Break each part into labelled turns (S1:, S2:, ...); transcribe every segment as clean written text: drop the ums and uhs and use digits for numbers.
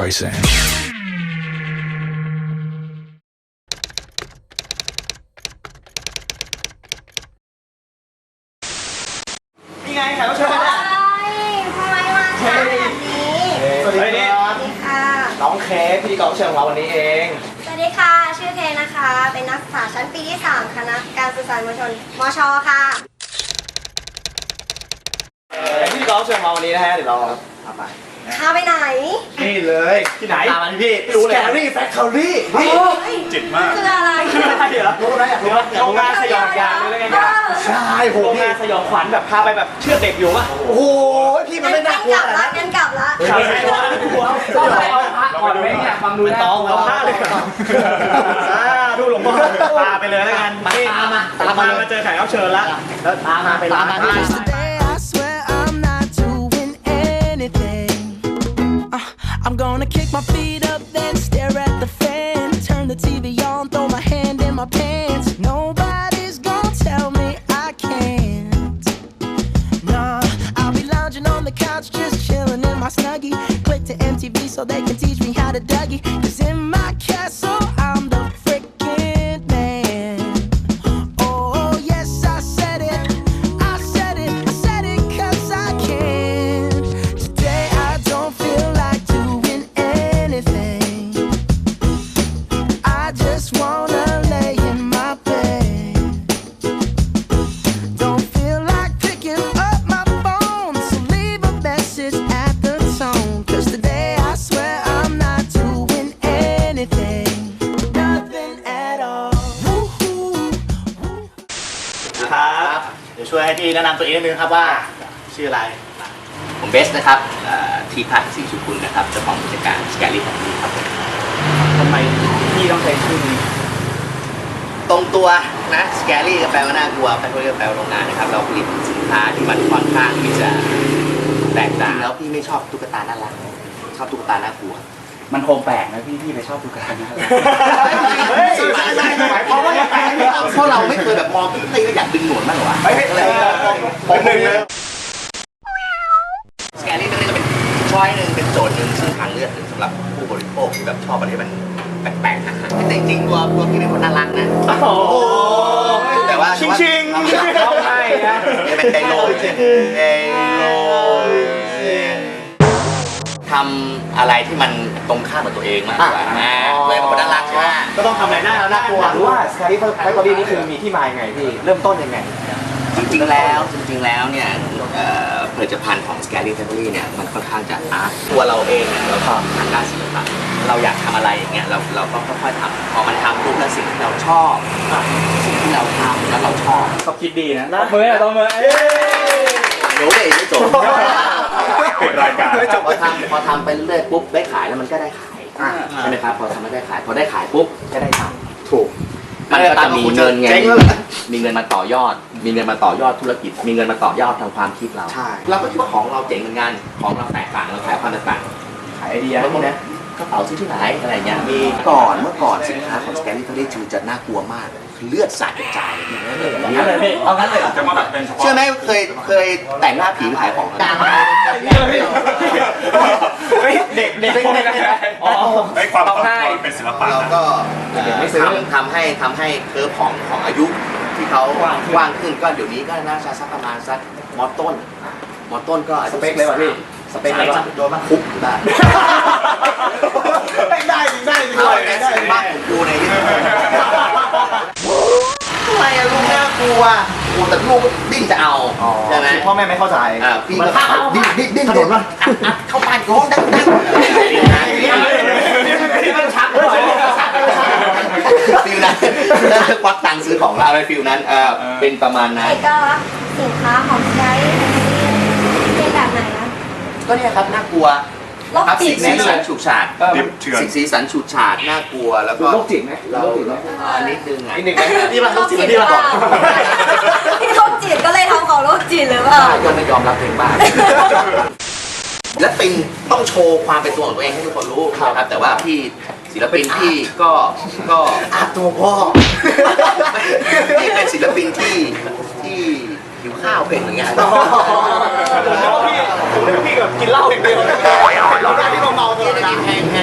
S1: Streisand.
S2: นี่ไงแขกรับเชิญมาแล้ว
S3: ทำไมมาช้าแบบนี้
S2: สวัสดีครับ
S3: สวัสดีค่ะ
S2: น้องเค้กพิธีกรรับเชิญของเราวันนี้เอง
S3: สวัสดีค่ะ ชื่อเทนะคะ เป็นนักศึกษาชั้นปีที่ 3 คณะการสื่อสารมวลชน มช. ค่ะ
S2: เป็นพิธีกรรับเชิญของเราวันนี้นะฮะเดี๋ยวเราพาไป
S3: พาไปไหน
S2: นี่เลยที่ไหนตามมาที่พี่ไม่รู้เลย Scary Factory นี่
S3: จิตมาก คืออะไร
S2: อะไรเหรอรู้ไหมอยากรู้ไหมโรงงานสยองยางเลยไงยาใช่โห
S4: โรง
S2: พี่
S4: งานสยองขวัญแบบพาไปแบบเชือดเด็กอยู่ป่ะ
S2: โอ้โหพี่มันไม่น่ากลัว
S3: กลับละงั้นกลับละ
S2: ใช่ใช่ว่ากลัว
S4: ต้องไปเอาพระก่อนไหมเนี่ยฟังดูนะ
S2: ต้อง
S4: เอาพระเลยก่อน
S2: ดูหลวงพ่อพาไปเลยแล้วกัน
S4: ตามมาเจอแขกรับเชิญแล้ว
S2: แล้วตามมาไปร้าน
S5: Today I swear I'm not doing anything. I'm gonna kick my feet up, then stare at the fan. Turn the TV on, throw my hand in my pants. Nobody's gonna tell me I can't. Nah, I'll be lounging on the couch, just chilling in my snuggie. Click to MTV so they can teach me how to Dougie. 'Cause in my castle, I'm the freaking man. Oh, yes, I said it. I said it. I said it 'cause I can. Today I don't feel like doing anything. I just wanna lay in my bed. Don't feel like picking up my phone, so leave a message at the tone. 'Cause today I swear I'm not doing anything. Nothing at all. Woo-hoo.
S2: ครับเดี๋ยวช่วยให้พี่แนะนำตัวเองนิดนึงครับว่าชื่ออะไร
S6: ผมเบสนะครับทีพัฒน์ศรีสุขุลนะครับเจ้าของกิจการสแกลี่ของพี่ครับผม
S4: ทำไมพี่ต้องใช้ชื่อนี้
S6: ตรงตัวนะสแกลี่ก็แปลว่าน่ากลัวแฟคทอรี่ก็แปลว่าโรงงานนะครับเราผลิตสินค้าที่มันค่อนข้างที่จะแตกต่างแล้วพี่ไม่ชอบตุ๊กตาน่ารักชอบตุ๊กตาน่ากลัว
S4: มันคงแปลกนะพี่ไปชอบดูกันนะ
S2: หมายความว่ายังไง
S6: เพราะเราไม่เคยแบบมองตุ๊กตาก็อยากดึงหนวดมากหรอวะ
S2: ผมหนึ่งเลย
S6: สแกลี่ตรงนี้ก็เป็นช้อยหนึ่งเป็นโจทย์หนึ่งซึ่งทางเลือกหนึ่งสำหรับผู้บริโภคที่แบบชอบอะไรที่มันแปลกๆนะฮะแต่จริงๆตัวพี่เป็นคนน่ารักนะ
S2: โอ้โห
S6: แต่ว่า
S2: ชิง
S6: ร้องไห้นะเป็นไดโลทำอะไรที่มันตรงข้ามกับตัวเองมากกว่าตัวเองเป็นคนน่ารักใช่ไหม
S2: ก็ต้องทำอะไรหน้าแล้วน่ากลัว
S4: รู้ว่า Scary Factory นี่คือมีที่มายังไงพี่เริ่มต้นยังไง
S6: จริงๆแล้วเนี่ยผลิตภัณฑ์ของ Scary Factory เนี่ยมันค่อนข้างจะอาร์ตตัวเราเองเนี่ยเราทำทางด้านศิลปะเราอยากทำอะไรอย่างเงี้ยเราก็ค่อยๆทำพอมันทำปุ๊บแล้วสิ่งที่เราชอบสิ่งที่เราทำแล้วเราชอบ
S4: เขาคิดดีนะต้องมือต้องมือ
S6: เดี๋ยวเลยไม่จบ
S2: เป็นรายการ
S6: ไม่จบพอทำไปเรื่อยๆปุ๊บได้ขายแล้วมันก็ได้ขายใช่ไหมครับพอทำไม่ได้ขายพอได้ขายปุ๊บก็ได้ตังค์
S2: ถูก
S6: มันก็จะมีเงินไง
S2: เจ๊งแล้วเหรอ
S6: มีเงินมาต่อยอด มีเงินมาต่อยอดธุรกิจ มีเงินมาต่อยอดทางความคิดเรา
S2: ใช่
S6: เราก็คิดว่าของเราเจ๋งเหมือนกัน ของเราแตกต่าง เราขายความแตกต่าง
S4: ขายไอเดีย
S6: บางทีนะกระเป๋าซื้อที่ไหนอะไรเงี้ย มีเมื่อก่อนสินค้าของ Scary Factory จะน่ากลัวมาก เลือดสาดกระจายเลย
S4: งั้นเลยพี่เอางั้นเลย
S1: จะมาแบบเป็นเฉพาะ
S6: เชื่อไหมเคยแต่งหน้าผีไปขายของ
S2: เด็ก
S4: อ๋อ
S1: ให้ความ
S4: เอาง่าย
S1: เป็นศิลปะ
S6: เรา
S1: นะ
S6: ก็ทำให้เคอร์ฟของอายุที่เขากว้างขึ้นก็เดี๋ยวนี้ก็น่าจะสักประมาณสักมอต้นก็อายุ
S4: สเปคเลยป่ะพี่สเปคเลยป่ะ
S6: โดนมาคุกได้
S2: ได้จริง
S6: เอาแต่ได้บ้านของกูในที่ทำไมอะลูกน่ากลัวกูแต่ลูกดิ้นจะเอาใช่ไหม
S2: พ่อแม่ไม่เข้าใจ
S6: พี่ก็ดิ้นถนนว่าเข้าบ้านร้องดัง
S4: ที่มันชักเลย
S6: ฟิลนั้นควักตังค์ซื้อของเราอะไรฟิลนั้นเป็นประมาณนั้น
S3: เอกลักษณ์สินค้าของไกด์เป็นแบบไหนนะ
S6: ก็เนี่ยครับน่ากลัว
S3: โรคจิตไหม
S6: สีสันฉูดฉาด
S1: ดิบเถื่อน
S6: สีสันฉูดฉาดน่ากลัวแล้วก็
S4: โรคจิตไหม
S6: เรา
S4: โรคจิตไหม
S6: นิดนึงอ่ะ
S2: นี่มันต้องจิตที่มาก่อน
S3: พี่โรคจิตก็เลยทำของโรคจิตหรือเปล่า
S6: ก็ไม่ยอมรับเองบ้างและปินต้องโชว์ความเป็นตัวของตัวเองให้ทุกคนรู้นะครับแต่ว่าพี่ศิลปินที่ก็ตัวพ่อที่เป็นศิลปินที่หิวข้าวเป็นเหมือนกัน
S2: ผมนึกว่าพี่แบบกินเหล้าอย่างเดียวเราได้ที่เมาๆตลอดเวลา
S6: แห้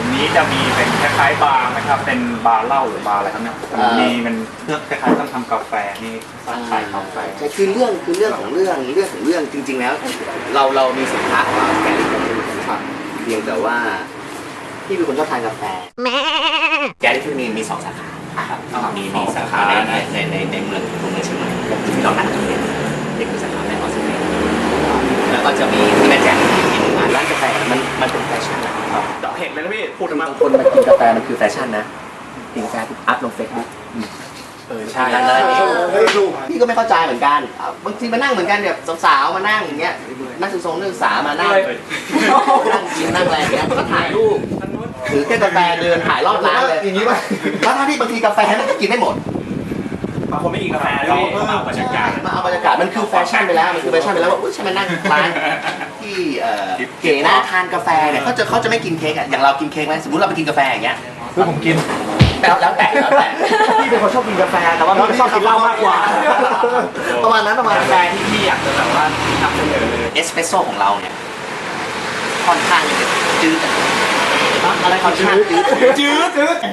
S1: นี้จะมีเป็นคล้ายๆบาร์ไหมครับเป็นบาร์เหล้าหรือบาร์อะไรครับเนี่ยมีมันเพื่อคล้ายๆต้องทำกาแฟนี่ขายกาแฟ
S6: ใช่คือเรื่องของเรื่องจริงๆแล้ว เรามีสินค้าของเราแกลี่ครับเพียงแต่ว่าพี่เป็นคนชอบทานกาแฟแกลี่ที่มี2 สาขาครับมีสาขาในเมืองเชียงใหม่ที่เรานัดกันเนี่ยนี่คือสาขาแม่ออสเตรเลียแล้วก็จะมีที่แม่แจ่มอีก1 ร้านกาแฟมันเป็นแฟชั่นนะครับ
S4: เดี๋ยวเห็นเลยนะพี่พูด
S6: บา
S4: มาง
S6: คนมากินกาแฟมันคือแฟชั่นนะกินกาแฟปุ๊บอัพลงเฟซบุ๊ก
S4: ใช่
S6: พี่ก็ไม่เข้าใจเหมือนกันบางทีมานั่งเหมือนกันแบบสาวๆมานั่งอย่างเงี้ยนักศึกษามานั่งกินนั่งอะไรอย่างเงี้ยก็ถ่ายรูปถือแค่กาแฟเดินถ่ายรอบร้านเลยอย่างนี้ป่ะแล้วถ้าที่บางทีกาแฟมันกินไม่หมด
S4: บางคนไม่กินกาแฟด้วยมาเอาบรรยากาศ
S6: มาเอาบรรยากาศมันคือแฟชั่นไปแล้วว่าอุ้ยฉันมานั่งร้านที่เก๋นะทานกาแฟเนี่ยเขาจะไม่กินเค้กอ่ะอย่างเรากินเค้กไหมสมมติเราไปกินกาแฟอย่างเงี้ย
S2: ผมกิน
S6: แล้วแต่
S4: พี่เป็นคนชอบกินกาแฟแต่ว่าพี่ชอบกินเหล้ามากกว่า
S6: ประมาณนั้น
S4: กาแฟที่พี่อยากจะแบบว่านำเสนอเลย
S6: เอสเปรสโซ่ของเราเนี่ยค่อนข้างจะจืดอะไรค่อนข้างจืด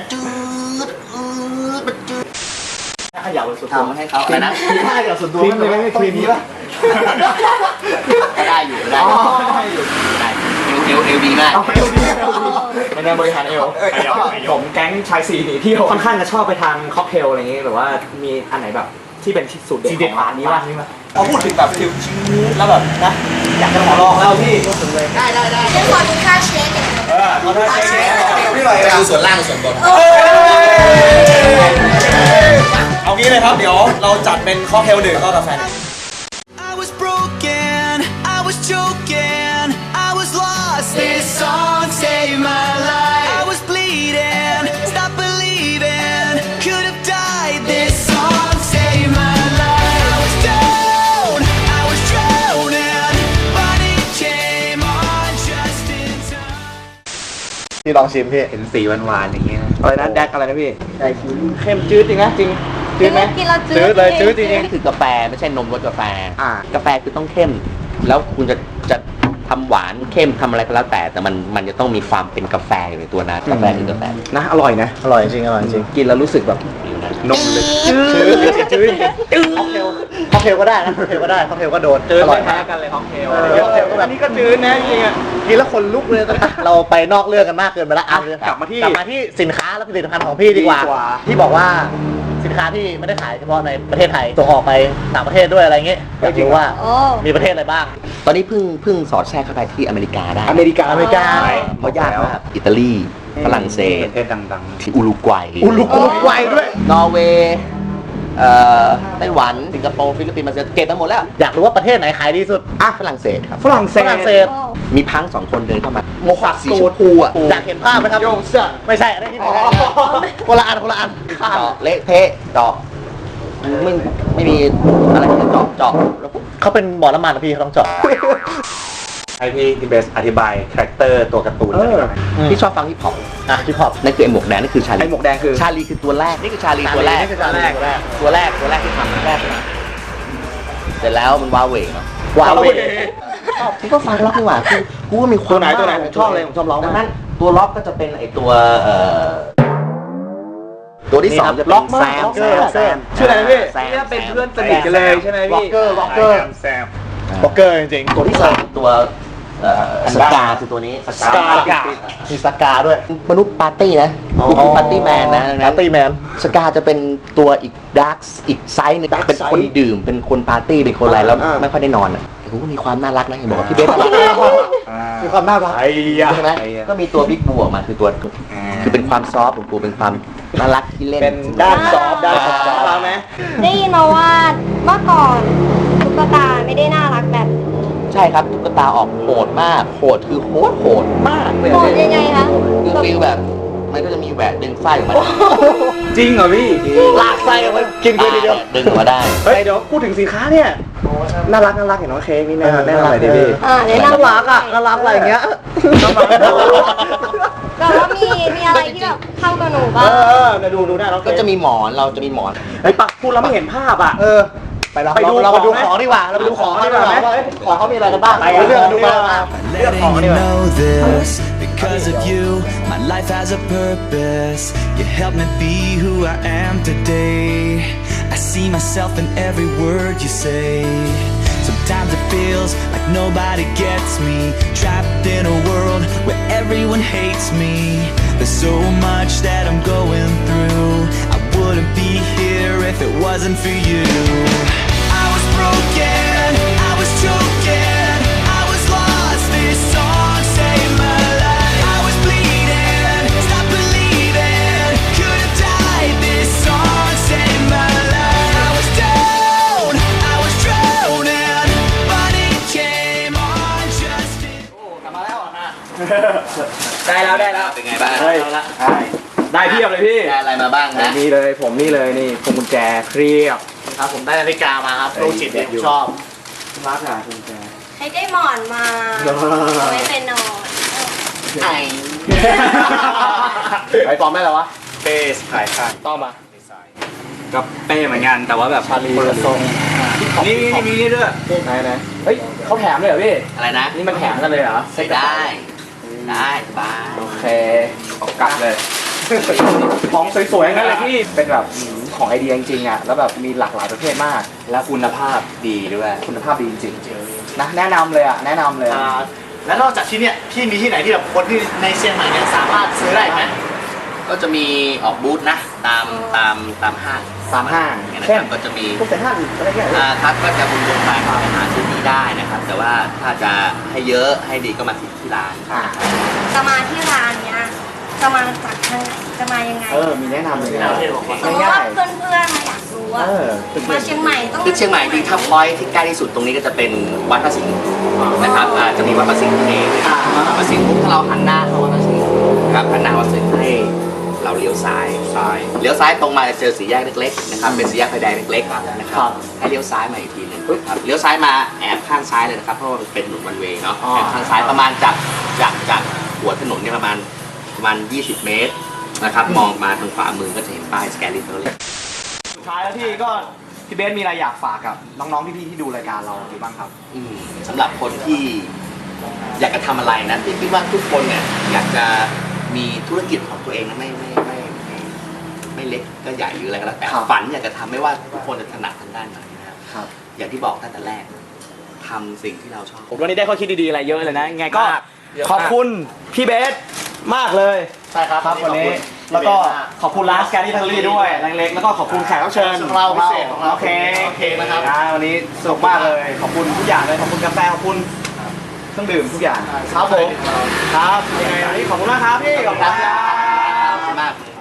S6: มันจืด
S4: ขยับสุด
S6: ทำมาให้เขาอะไรนะ
S2: ถ้าอย่างส่วนตัวมันไม่ครีมนี้ป่ะ
S6: ก็ได้อยู่ได้เอวดีมาก
S4: ไม่ได้บริหารเอวผมแก๊งชาย4หนีเที่ยวค่อนข้างจะชอบไปทานค็อกเทลอะไรอย่างงี้หรือว่ามีอันไหนแบบที่เป็นสูตรเด็ดของร้านนี้ป่ะพอพูดถึงแบบฟิวชื้นแล้วแบบนะอยากจะขอลองแล้วพี่
S6: ได้
S3: ฉันขอดูค่าเช็คหน่อย
S4: ขอโทษเชฟ
S6: พี่หน่อยดูส่วนล่างส่วนบน
S4: เอางี้เลยครับเดี๋ยวเราจัดเป็นค็อกเทล1ก็กาแฟ
S5: I was broken, I was choking, I was lost. This song saved my life. I was bleeding, stop believing, could have died. This song saved my life. I was down, I was drowning, but it came on just in time.
S2: พี่ลองชิมพี่
S1: เห็นสีหวานๆอย่างเงี้ย
S4: อะไรนะแดกอะไรนะพี่เข้มจืดจริงนะจริงจืดไหม
S3: กินแล้วจืด
S2: จืดเลยจืดจริง
S6: นี่คือกาแฟไม่ใช่นมรสกาแฟ กาแฟคือต้องเข้ม แล้วคุณจะทำหวานเข้มทำอะไรก็แล้วแต่มันจะต้องมีความเป็นกาแฟอยู่ในตัวนะกาแฟคือกาแฟ
S4: นะอร่อยนะ
S2: อร่อยจริงอร่อยจริง
S4: กินแล้วรู้สึกแบบ
S1: นมเลย
S2: จืดค็อกเทลก็ได้นะค็อกเทลก็ได้ค็อกเทลก็โดน
S4: จืด
S2: อร่
S4: ไม่
S2: อย
S4: แพ้
S2: มาก
S4: กันเลยค็อกเทล
S2: ค็อกเทลก็แบบนี้ก็จืดนะจริงๆกินแล้วคนลุกเลยเราไปนอกเรื่องกันมากเกินไปแล้ว
S4: กลับมาที่
S2: สินค้าและผลิตภัณฑ์ของพี่ดีกว่า ที่บอกว่าสินค้าที่ไม่ได้ขายเฉพาะในประเทศไทยส่งออกไปต่างประเทศด้วยอะไรเงี้ยอยากรู้ว่า
S3: โอ้
S2: มีประเทศอะไรบ้าง
S6: ตอนนี้เพิ่งสอดแทรกเข้าไปที่อเมริกาได้
S4: อเมริกา
S6: เพราะยากมากอิตาลีฝรั่งเศส
S1: ประเทศดัง
S6: ที่อุรุกวัย
S2: อุรุกวัยด้วย
S6: นอร์เวย์ไต้หวันสิงคโปร์ฟิลิปปินส์มาเลเซียเก็บมาหมดแล้ว
S2: อยากรู้ว่าประเทศไหนขายดีสุด
S6: ฝรั่งเศสครับ
S4: ฝรั่งเศ
S2: ฝรั่งเศ
S4: ส
S2: ส
S6: มีพัง2 คนเดินเข้ามา
S2: โมฮัก
S6: สี
S2: สู
S6: ช
S2: ต
S6: มพูอ่ะ
S2: อยากเห็นภาพไหมครับ
S4: โยเสื้อ
S2: ไม่ใช่อันนี้ที่ไหนคนละอัน
S6: เจาะเละเทะเจาะไม่มีอะไรที่จะเจาะแล้ว
S2: เขาเป็นบ่อน้ำมันนะพี่เขาต้องเจาะ
S1: ให้พี่ทีเบสอธิบายคาแรคเตอร์ตัวการ์ตูนหน่อยได้ไหม
S6: ที่ชอบฟังฮิปฮอป
S2: พี่ขอบ
S6: นั่นคือไอ้หมวกแดงนั่นคือชาลี
S4: ไอ้หมวกแดงคือ
S6: ชาลีคือตัวแรกนี่คือชาลีตัวแรก
S2: นี่คือชาลีตัวแรก
S6: ตัวแรกที่ทำแรกเสร็จแล้วมันว้าเหวงเนาะ
S2: ว้าวเว้ย
S6: กูก็ฟังล็อกนี่หว่ากูก็มีความ
S4: ตัวไหนผมชอบเลยผมชอบร้อง
S6: ดั
S4: มาง ก
S6: นั้นตัวล็อกก็จะเป็นไอ้ตัวตัวที่ 2จะเป็น
S2: ล็อกมาก
S6: แซม
S4: ชื่ออะไรนะพี่
S6: แซม
S4: เนี่ยเป็นเพื่อนสนิทกันเลยใช่ไหม
S2: ล็อก
S4: พี่
S2: เกอร์ล็อกเกอร์
S1: แซม
S2: ล็อกเกอร์จริงๆ
S6: ตัวที่ 3ตัวสกาคือตัวนี้
S2: สกามีสกาด้วย
S6: มนุษย์ปาร์ตี้นะคือปาร์ตี้แมนนะ
S2: ปาร์ตี้แมน
S6: สกาจะเป็นตัวอีกดาร์กอีกไซส์หนึงเป็นคนดื่มเป็นคนปาร์ตี้เป็นคนอะไรแล้วไม่ค่อยได้นอนอ่ะกูก็มีความน่ารักนะเห็นบอกว่าพี่เบส
S2: มีความน่ารัก
S6: ใช่ไหมก็มีตัวบิ๊กบูออกมาคือตัวคือเป็นความซอฟต์ของกูเป็นความน่ารักที่เล่น
S4: เป็นด้านซอฟต์ด้านซอฟต์เราไหม
S3: ได้ยินมาว่าเมื่อก่อนตุ๊กตาไม่ได้น่ารักแบบนี้
S6: ใช่ครับตุ๊กตาออกโหดมากโหดคือโหดมากเลย
S3: โหดยังไงคะ
S6: คือฟีลแบบมันก็จะมีแหวนดึงไส้ออกมา
S4: จริงเหรอพี่
S2: ลากไส้ออกมากินกันทีเดียว
S6: ดึงออกมาได้
S4: เฮ้ยเดี๋ยวพูดถึงสินค้าเนี่ยน่ารักเห็นน้องเค้กนี่แน่นอนเลยดิพี่
S3: แนะนำ
S2: น่ารักอะไรอย่างเงี้ย
S3: แต่ว่ามีอะไรที่แบบเข้ากับหนูบ้าง
S4: ดูหน้าน้อง
S6: ก็จะมีหมอนเราจะมีหมอน
S4: ไอ้ปักพูดแล้วไม่เห็นภาพอ่ะ
S2: ไปเรา
S4: ไปดู
S2: ไปดู
S4: ของ
S2: ของดีกว่าเราไปดูของดีกว่า
S4: ไหม
S2: ของเขามีอะไรกันบ้าง
S4: ไป
S2: เรื่องดูมา
S5: Letting you know this because of you. My life has a purpose. You help me be who I am today. I see myself in every word you say. Sometimes it feels like nobody gets me. Trapped in a world where everyone hates me. There's so much that I'm going through. I wouldn't be here if it wasn't for you. I was broken, I was choking, I was lost. This song saved my life. I was bleeding, stop believing, could have died. This song saved my life. I was down, I was drowning, but it came on just in.
S4: ได้แล้วได้แล้ว
S6: เป็นไงบ้าง
S4: เฮ้ยได้เพียบเลยพี่
S6: ได้อะไรมาบ้างนะ
S4: นี่เลยผมนี่เลยนี่พวงกุญแจเครียบ
S2: ครับผมได้นาฬิกามาครับโรคจิตที่ผมชอบ
S4: รักอ่ะพวงกุญแจ
S3: ให้ได้หมอนมาเอาไว้เป็นนอน
S2: ไอ้ไอ้ฟอร์มได้แล้ววะ
S1: เป้ขายข้าง
S2: ต้องมา
S1: ก็เป้เหมือนกันแต่ว่าแบบ
S2: ชาลี
S1: คนละทรงนี่มีนี่ด้วย
S4: ไหนไหนเฮ้ยเขาแถมเลยเหรอพี่
S6: อะไรนะ
S4: นี่มันแถมกันเลยเหรอ
S6: ใส่ได้ได้สบาย
S4: โอเคเอากลับเลยของสวยๆงั้นเลยพี่เป็นแบบของไอเดียจริงๆอ่ะแล้วแบบมีหลากหลายประเภทมาก
S6: และคุณภาพดีด้วย
S4: คุณภาพดีจริงๆนะแนะนำเลยอ่ะแนะนำเลย
S2: แล้วนอกจากที่เนี่ยพี่มีที่ไหนที่แบบคนที่ในเชียงใหม่เนี่ยสามารถซื้อได้ไหม
S6: ก็จะมีออกบูธนะตามห้าง
S4: ตามห้าง
S6: เนี่ยนะ
S4: เช่
S6: คน รับก็จะมี
S4: พวกเซ็นทรัลอะไรเงี้ย
S6: ครับก็จะบุญวงไปหาซื้อที่ได้นะครับ แต่ว่าถ้าจะให้เยอะให้ดีก็มาที่ร้าน
S3: จะมาที่ร้านเนี้ยจะมาจากทางไหนจะมายังไง
S4: มีแนะนำเลยนะ
S3: สมมติว่าเพื่อนๆมาอยากรู้ว่ามาเชียงใหม่ต้อง
S6: คือเชียงใหม่จริงถ้าพอยที่ใกล้ที่สุดตรงนี้ก็จะเป็นวัดพระสิงห์นะครับจะมีวัดพระสิงห์เองวัดพระสิงห์ปุ๊บถ้าเราหันหน้าเข้าวัดพระสิงห์ครับหันหน้าวัดพระสิงห์ให้เราเลี้ยวซ้ายเลี้ยวซ้ายตรงมาจะเจอสี่แยกเล็กๆนะครับเป็นสี่แยกไฟแดงเล็กๆนะครับให้เลี้ยวซ้ายมาอีกทีหนึงครับเลี้ยวซ้ายมาแอบข้างซ้ายเลยนะครับเพราะว่ามันเป็นถนนวันเวย์เนาะแอบข้างซ้ายประมาณจากหัวถนนเนี่ยประมาณ 20 เมตรนะครับมองมาทางขวามือก็จะเห็นป้ายสแกนลิเตอร์เลย
S4: สุดท้ายแล้วพี่ก็พี่เบสมีอะไรอยากฝากกับน้องๆพี่ๆที่ดูรายการเราหรือบ้างครับ
S6: สำหรับคนที่อยากจะทำอะไรนะที่คิดว่าทุกคนเนี่ยอยากจะมีธุรกิจของตัวเองนะไม่เล็กก็ใหญ่หรืออะไรก็แล้วแต่
S4: ครับ
S6: ฝันอยากจะทำไม่ว่าทุกคนจะถนัดทางด้านไหนนะครับ
S4: ครับ
S6: อย่างที่บอกตั้งแต่แรกทำสิ่งที่เราชอบ
S4: ผมวันนี้ได้ข้อคิดดีๆอะไรเยอะเลยนะยังไงก็
S2: มากเยอะมาก
S4: ขอบคุณพี่เบสมากเลย
S2: ใช่ครับ
S4: ครับวันนี้แล้วก็ขอบคุณร้านสแกนดี้ทัลลี่ด้วยเล็กๆแล้วก็ขอบคุณแขกรับเชิญ
S2: ของเราพิเศษของเรา
S4: โอเค
S2: โอเคนะครับ
S4: วันนี้สนุกมากเลยขอบคุณทุกอย่างเลยขอบคุณกาแฟขอบคุณเครื่องดื่มทุกอย่าง
S2: ครับผม
S4: ครับยังไงวันนี้ขอบคุณมากครับพี่ขอบคุณครับ
S6: มาก